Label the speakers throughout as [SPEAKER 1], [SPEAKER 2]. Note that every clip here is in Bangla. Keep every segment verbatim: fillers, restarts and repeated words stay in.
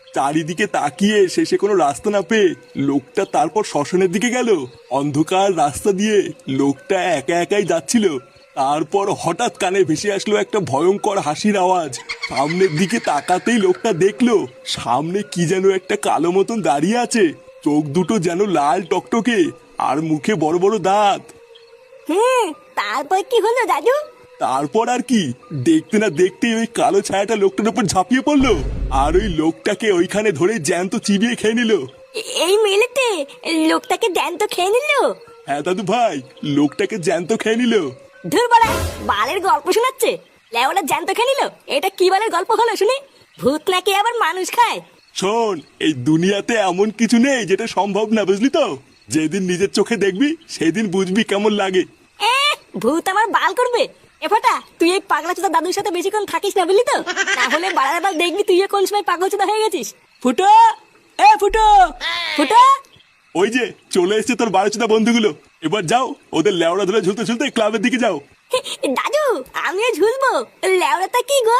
[SPEAKER 1] চারিদিকে তাকিয়ে শেষে কোনো রাস্তা না পেয়ে লোকটা তারপর শ্মশানের দিকে গেল। অন্ধকার রাস্তা দিয়ে লোকটা একা একাই যাচ্ছিল। তারপর হঠাৎ কানে ভেসে আসলো একটা ভয়ঙ্কর হাসির আওয়াজ। সামনের দিকে তাকাতেই লোকটা দেখলো সামনে কি যেন একটা কালো মতন দাঁড়িয়ে আছে। চোখ দুটো যেন লাল টকটকে, আর মুখে বড় বড় দাঁত।
[SPEAKER 2] হুম, তারপর কি হলো দাদু?
[SPEAKER 1] তারপর আর কি, দেখতে না দেখতেই ওই কালো ছায়াটা লোকটার উপর ঝাঁপিয়ে পড়লো, আর ওই লোকটাকে ওইখানে ধরে জ্যান্ত চিবিয়ে খেয়ে নিল।
[SPEAKER 2] এ- এই মেলেতে লোকটাকে জ্যান্ত খেয়ে নিল?
[SPEAKER 1] হ্যাঁ দাদু ভাই, লোকটাকে জ্যান্ত খেয়ে নিল।
[SPEAKER 2] ধুর বাড়া, বালের গল্প শোনাচ্ছে। লেওরা জ্যান্ত খেয়ে নিল? এটা কি বালের গল্প হলো শুনি? ভূত নাকি আবার মানুষ খায়?
[SPEAKER 1] শোন, এই দুনিয়াতে এমন কিছু নেই যেটা সম্ভব না, বুঝলি তো? যেদিন নিজের চোখে দেখবি সেদিন বুঝবি কেমন লাগে।
[SPEAKER 2] এ, ভূত আমার বাল করবে? এ ফাটা, তুই এই পাগলা চোদা দাদুর সাথে বেশিক্ষণ থাকিস না, বুঝলি তো? তাহলে বাড়ার বাল দেখবি তুইও কোন সময় পাগল চোদা হয়ে গেছিস। ফুটো, এ ফুটো, ফুটো।
[SPEAKER 1] ওই যে চলে এসছে তোর বারোচোদা বন্ধুগুলো। এবার যাও, ওদের লেওড়া ধরে ঝুলতে ঝুলতে ক্লাবের দিকে যাও।
[SPEAKER 2] দাদু, আমিও ঝুলবো? লেওড়াটা কি গো?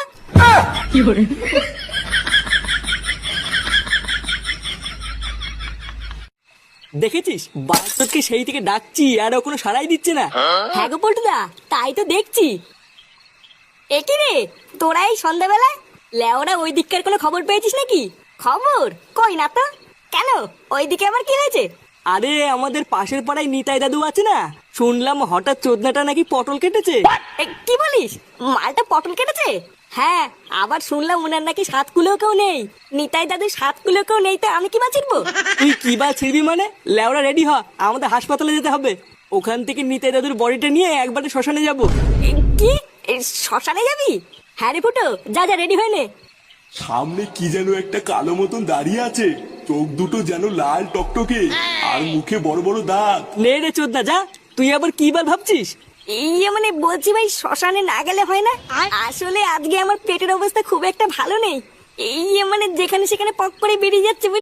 [SPEAKER 3] দেখেছিস বাস্তবকে সেই থেকে ডাকছি আর ও কোনো সাড়াই দিচ্ছে না।
[SPEAKER 2] হ্যাঁ গো পল্টুদা, তাই তো দেখছি। একি রে, তোরা এই সন্ধ্যাবেলায় লেওরা ওই দিককার কোনো খবর পেয়েছিস নাকি? খবর কই না তো। কেন, ওই দিকে আবার কি হয়েছে?
[SPEAKER 3] আরে আমাদের পাশের পাড়ায় নিতাই দাদু আছে না, শুনলাম হঠাৎ চোদনাটা নাকি পটল কেটেছে।
[SPEAKER 2] এ, কি বলিস? মালটা পটল কেটেছে? হ্যাঁ, আবার শুনলাম ওনার নাকি সাত কুলো কেউ নেই। নিতাই দাদু সাত কুলো কেউ নেই, তা আমি কি বা চিনবো?
[SPEAKER 3] তুই কি বা ছিড়বি মানে? লেওরা রেডি হ, আমাদের হাসপাতালে যেতে হবে। ওখান থেকে নিতাই দাদুর বডিটা নিয়ে একবারে শ্মশানে যাব।
[SPEAKER 2] এ, কি এ, শ্মশানে যাবি? হ্যাঁ রে ফুটো, যা যা রেডি হয়ে নে।
[SPEAKER 1] সামনে কি যেন একটা কালো মতন দাঁড়িয়ে আছে, চোখ দুটো যেন লাল টকটকে, আর মুখে বড় বড় দাঁত।
[SPEAKER 3] নে রে চোদনা, যা। তুই আবার কি বার ভাবছিস?
[SPEAKER 2] ইয়ে মানে বলছি ভাই, শ্মশানে না গেলে হয় না? আসলে আজকে আমার পেটের অবস্থা খুব একটা ভালো নেই। এই মানে যেখানে সেখানে পক করে বেরিয়ে যাচ্ছে।